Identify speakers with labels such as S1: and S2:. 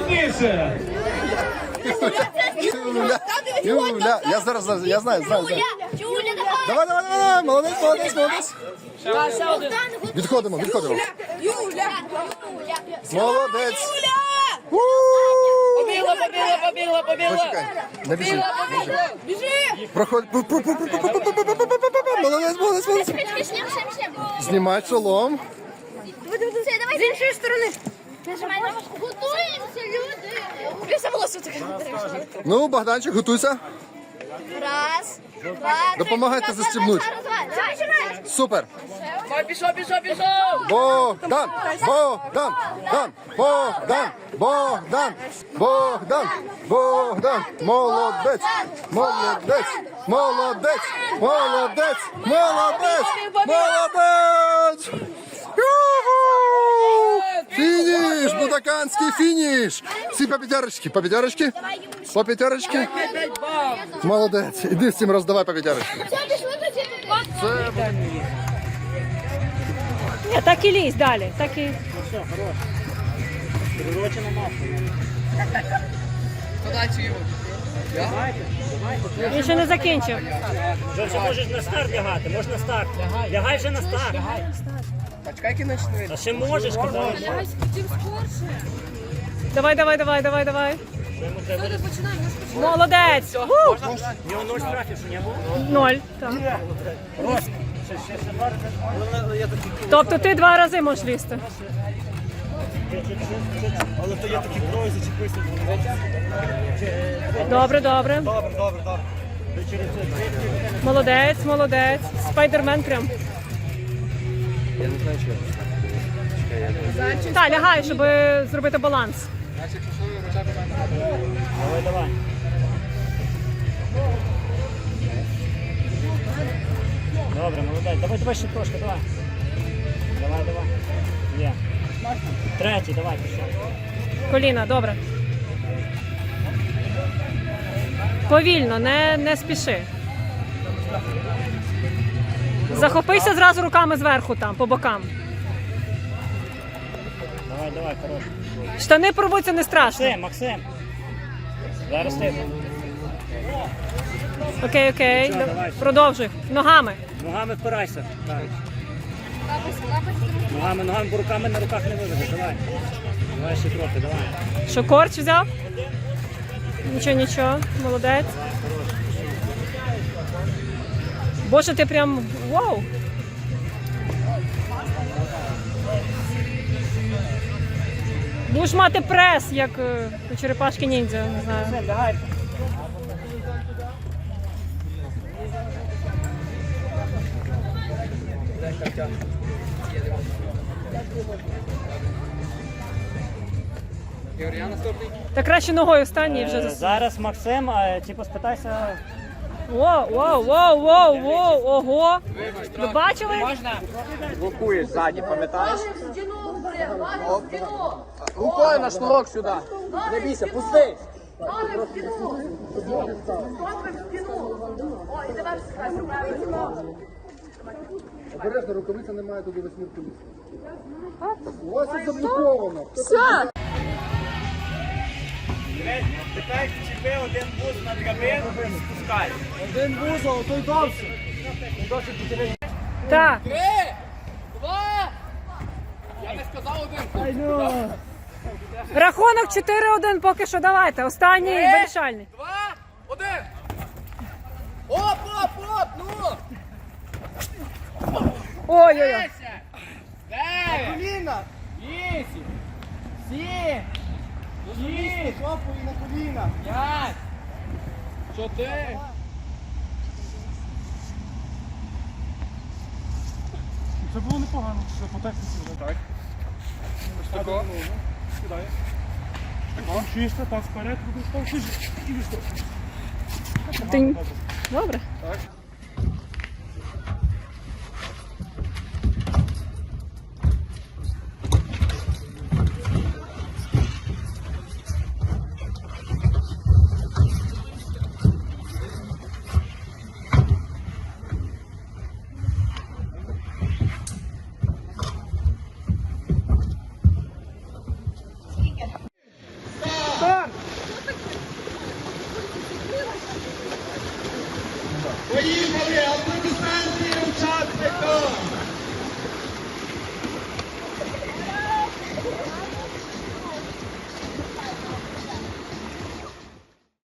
S1: Сильніше!
S2: Юля, я зараз, я знаю. Давай, молодець. Відходимо. Молодець.
S3: Побігла.
S2: Почекай, не біжи. Проходь. Молодець. Знімай шолом.
S4: Давай з іншої сторони. Нажимай на важку. Готуємося, люди. Більше волосся таке.
S2: Ну, Богданчик, готуйся.
S4: Раз, два,
S2: Допомагайте застібнути.
S4: Давай.
S2: Супер.
S3: Пішов.
S2: Богдан. Молодець. Фініш, будаканський фініш. Всі по п'ятерочки. Молодець. Іди всім роздавай по п'ятерочки.
S5: Ні, так і лізь далі. Так і... Він ще не закінчив.
S6: Вже можеш на старт лягати, можна старт. Лягай вже на старт.
S3: Почекай кінець.
S6: А ще можеш, казав.
S5: Давай. Молодець.
S6: У нього 0 штрафів, що не було?
S5: 0. Так. Тобто ти 2 рази можеш лізти.
S6: Але то я такі крої зачепився.
S5: Добре. Молодець. Спайдермен прям.
S2: Я не знаю, що.
S5: Так, лягай, щоб зробити баланс.
S6: Давай. Добре, молодець. Давай ще трошки, давай. Давай. Є. Третій, давай, пішов.
S5: Коліна, добре. Повільно, не спіши. Захопися зразу руками зверху там, по бокам.
S6: Давай, хорош.
S5: Штани порвуться, не страшно.
S6: Максим. Зараз ти.
S5: Окей.
S6: давай.
S5: Продовжуй. Ногами.
S6: Ногами впирайся. Так. Ногами, бо руками на руках не виведеш. Давай ще трохи, давай.
S5: Що, корч взяв? Нічого. Молодець. Боже, ти прям... Вау! Будеш мати прес, як у черепашки ніндзя, не знаю. Та краще ногою встань і вже
S6: Зараз Максим, типу спитайся.
S5: Воу, ого! Ви бачили?
S3: Блокуєш ззаді, пам'ятаєш? Рукою на шнурок сюди. Не бійся, пусти.
S2: Обережно, рукавиця немає туди восьмірку лісу. У вас це заблоковано.
S4: Все.
S6: Питай, чіпи один бус на драбину, спускай.
S3: Один вузол, той довше.
S5: Так.
S3: 3, 2. Я не сказав один.
S5: Рахунок 4-1 поки що, давайте. Останній вирішальний.
S3: 2, 1. Оп, ну.
S5: Ой-ой-ой.
S3: 10, 9, 8, 7, 6, на коліна. 5, 4.
S1: Це було непогано, що по техніці вже. Так. Ось тако. Сідає. Тако. Чисто, так вперед, став чисто. І вистав.
S5: Тинь. Добре.
S1: Так.
S2: Поїхали!